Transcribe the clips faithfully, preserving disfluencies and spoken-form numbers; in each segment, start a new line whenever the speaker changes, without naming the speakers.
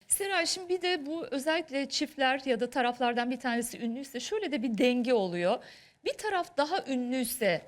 Seray, şimdi bir de bu özellikle çiftler ya da taraflardan bir tanesi ünlüyse şöyle de bir denge oluyor. Bir taraf daha ünlüyse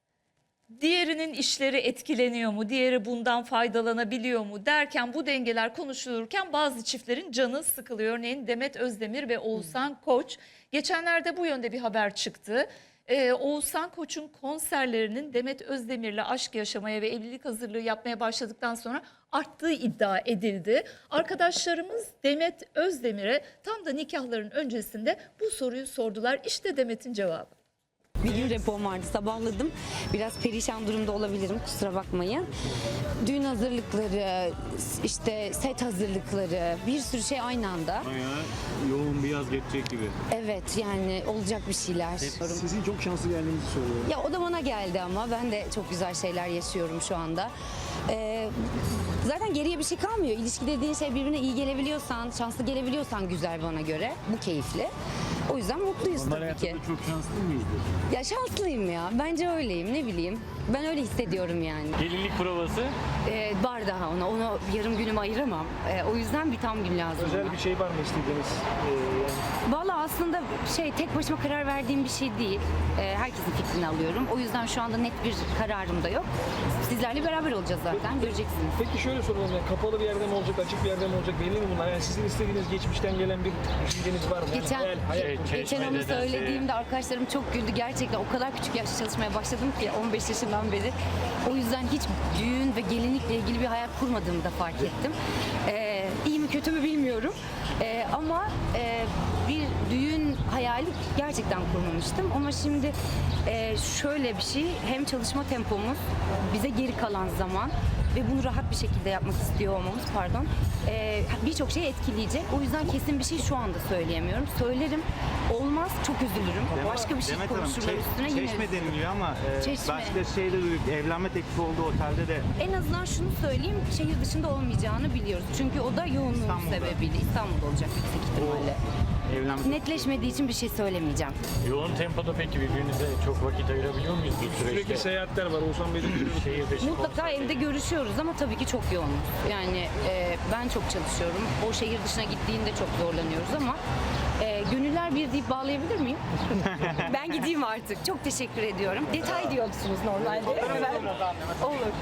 diğerinin işleri etkileniyor mu? Diğeri bundan faydalanabiliyor mu derken bu dengeler konuşulurken bazı çiftlerin canı sıkılıyor. Örneğin Demet Özdemir ve Oğuzhan Koç. Geçenlerde bu yönde bir haber çıktı. Ee, Oğuzhan Koç'un konserlerinin Demet Özdemir'le aşk yaşamaya ve evlilik hazırlığı yapmaya başladıktan sonra arttığı iddia edildi. Arkadaşlarımız Demet Özdemir'e tam da nikahların öncesinde bu soruyu sordular. İşte Demet'in cevabı.
Bir gün repom vardı, sabahladım. Biraz perişan durumda olabilirim, kusura bakmayın. Düğün hazırlıkları, işte set hazırlıkları, bir sürü şey aynı anda.
Bayağı yoğun bir yaz geçecek gibi.
Evet, yani olacak bir şeyler.
Sizin çok şanslı geldiğinizi söylüyorum.
Ya o da bana geldi ama ben de çok güzel şeyler yaşıyorum şu anda. Ee, zaten geriye bir şey kalmıyor. İlişki dediğin şey birbirine iyi gelebiliyorsan, şanslı gelebiliyorsan güzel bana göre. Bu keyifli. O yüzden mutluyuz
Normal
tabii
hayatta
ki.
da çok şanslı mıyızdır?
Ya şanslıyım ya. Bence öyleyim, ne bileyim. Ben öyle hissediyorum yani.
Gelinlik provası.
Ee, var daha ona. Ona yarım günümü ayıramam. Ee, o yüzden bir tam gün lazım
Özel
ona.
bir şey var mı istediğiniz? Ee, yani
Valla aslında şey tek başıma karar verdiğim bir şey değil. Ee, herkesin fikrini alıyorum. O yüzden şu anda net bir kararım da yok. Sizlerle beraber olacağız zaten. Göreceksiniz.
Peki şöyle soralım, yani kapalı bir yerde mi olacak, açık bir yerde mi olacak, belli mi bunlar? Yani sizin istediğiniz geçmişten gelen bir düşünceniz var mı? Yani
Geçen,
hayal, hayal
Şey,
kurmak.
geçen onu
Çeşme'de de-
söylediğimde arkadaşlarım çok güldü. Gerçekten o kadar küçük yaşta çalışmaya başladım ki on beş yaşından beri. O yüzden hiç düğün ve gelinlikle ilgili bir hayal kurmadığımı da fark ettim. Ee, iyi mi kötü mü bilmiyorum. Ee, ama e, bir düğün hayali gerçekten kurmamıştım. Ama şimdi e, şöyle bir şey, hem çalışma tempomuz, bize geri kalan zaman ve bunu rahat bir şekilde yapmak istiyor olmamız, pardon, e, birçok şey etkileyecek. O yüzden kesin bir şey şu anda söyleyemiyorum. Söylerim, olmaz çok üzülürüm. Başka bir şey
Demet Hanım,
konuşurlar
Çe-
üstüne yine
Çeşme
üzülürüm.
deniliyor ama e,
Çeşme.
başka şeyde duyduk. Evlenme teklifi olduğu otelde de
En azından şunu söyleyeyim, şehir dışında olmayacağını biliyoruz. Çünkü o da yoğunluğun
İstanbul'da.
sebebiyle İstanbul'da olacak yüksek ihtimalle.
evlenme
Netleşmediği için bir şey söylemeyeceğim.
Yoğun tempoda peki birbirinize çok vakit ayırabiliyor muyuz bu
Sürekli
süreçte?
seyahatler var. Oğuzhan Bey'de görüyoruz.
Şehir dışı
Mutlaka
konser.
evde görüşüyoruz ama tabii ki çok yoğunuz. Yani e, ben çok çalışıyorum. O şehir dışına gittiğinde çok zorlanıyoruz ama e, gönüller bir deyip bağlayabilir miyim? Ben gideyim artık. Çok teşekkür ediyorum. Detay diyorsunuz normalde. Olur.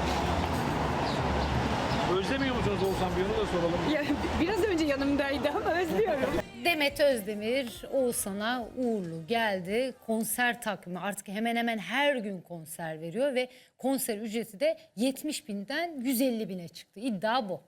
Özlemiyor musunuz Oğuzhan Bey'i, onu da soralım.
Ya, biraz önce yanımdaydı ama özlüyorum.
Demet Özdemir Oğuzhan'a uğurlu geldi. Konser takvimi artık hemen hemen her gün konser veriyor ve konser ücreti de yetmiş binden yüz elli bine çıktı. İddia bu.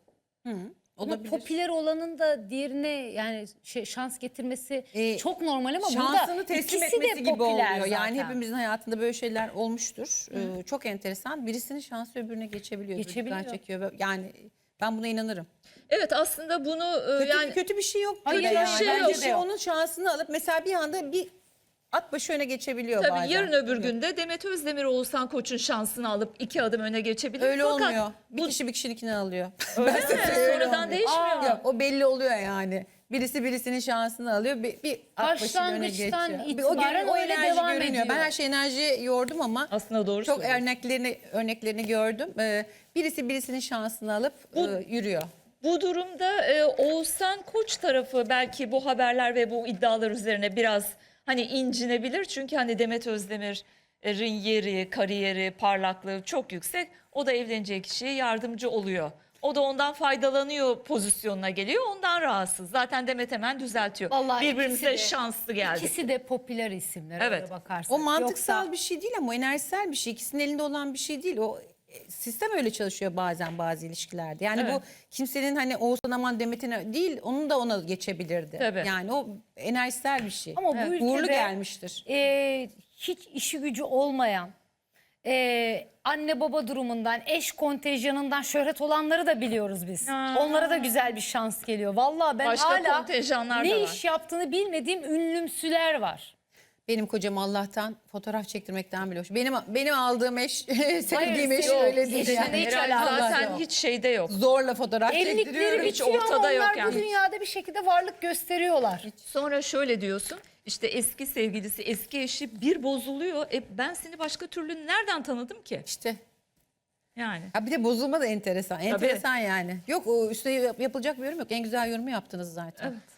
Ama popüler olanın da diğerine yani şey, şans getirmesi
Ee,
çok normal ama
şansını
burada
teslim
ikisi
etmesi
de
gibi
popüler
oluyor. Yani
zaten.
hepimizin hayatında böyle şeyler olmuştur. Ee, çok enteresan. Birisinin şansı öbürüne geçebiliyor.
Geçebiliyor.
Dikkat çekiyor. Yani ben buna inanırım.
Evet, aslında bunu e,
Kötü,
yani
kötü bir şey yok.
Hayır,
burada
bir şey
Bence
yok.
de onun şansını alıp mesela bir anda bir at başı öne geçebiliyor
tabii
bazen.
yarın öbür günde Demet Özdemir Oğuzhan Koç'un şansını alıp iki adım öne geçebilir.
Öyle
Fakat
olmuyor. Bir
bu
kişi bir kişininkini alıyor.
öyle mi?
Öyle
Sonradan
olmuyor.
değişmiyor mu?
Yok, o belli oluyor yani. Birisi birisinin şansını alıyor. Bir, bir at başıyla öne
Başlangıçtan
geçiyor. Bir o,
itibaren
o
öyle
enerji
devam
görünüyor. Ben
ediyor.
her şey enerji yordum ama
Aslında doğru
çok
söylüyorsun.
örneklerini örneklerini gördüm. Ee, birisi birisinin şansını alıp e, yürüyor.
Bu durumda e, Oğuzhan Koç tarafı belki bu haberler ve bu iddialar üzerine biraz hani incinebilir. Çünkü hani Demet Özdemir'in yeri, kariyeri, parlaklığı çok yüksek. O da evleneceği kişiye yardımcı oluyor. O da ondan faydalanıyor pozisyonuna geliyor. Ondan rahatsız. Zaten Demet hemen düzeltiyor.
Vallahi
Birbirimize
ikisi de-
şanslı geldik.
İkisi de popüler isimler.
Evet.
öyle bakarsak.
O mantıksal
Yoksa-
bir şey değil ama o enerjisel bir şey. İkisinin elinde olan bir şey değil. O e, sistem öyle çalışıyor bazen bazı ilişkilerde. Yani
Evet.
bu kimsenin hani Oğuzhan aman Demet'ine değil, onun da ona geçebilirdi.
Tabii.
Yani o enerjisel bir şey.
Ama bu ülkede
Uğurlu gelmiştir.
e, hiç işi gücü olmayan, e, anne baba durumundan, eş kontenjanından şöhret olanları da biliyoruz biz.
Ha.
Onlara da güzel bir şans geliyor. Vallahi ben
Başka
hala
kontenjanlar
ne
da var.
iş yaptığını bilmediğim ünlümsüler var.
Benim kocam Allah'tan fotoğraf çektirmekten bile hoş. Benim benim aldığım eş, sevdiğim eş
yok,
öyle değil.
eşine
Yani.
hiç
Herhalde
alakası
zaten
yok.
hiç şeyde yok.
Zorla fotoğraf
Evlilikleri
çektiriyorum.
hiç
bitiyor ama
ortada
onlar
yok
bu
yani.
dünyada bir şekilde varlık gösteriyorlar.
Sonra şöyle diyorsun, işte eski sevgilisi, eski eşi bir bozuluyor. E ben seni başka türlü nereden tanıdım ki?
İşte
Yani.
Ha bir de bozulma da enteresan. Enteresan yani. Yok o üstüne yap- yapılacak bir yorum yok. En güzel yorumu yaptınız zaten.
Evet.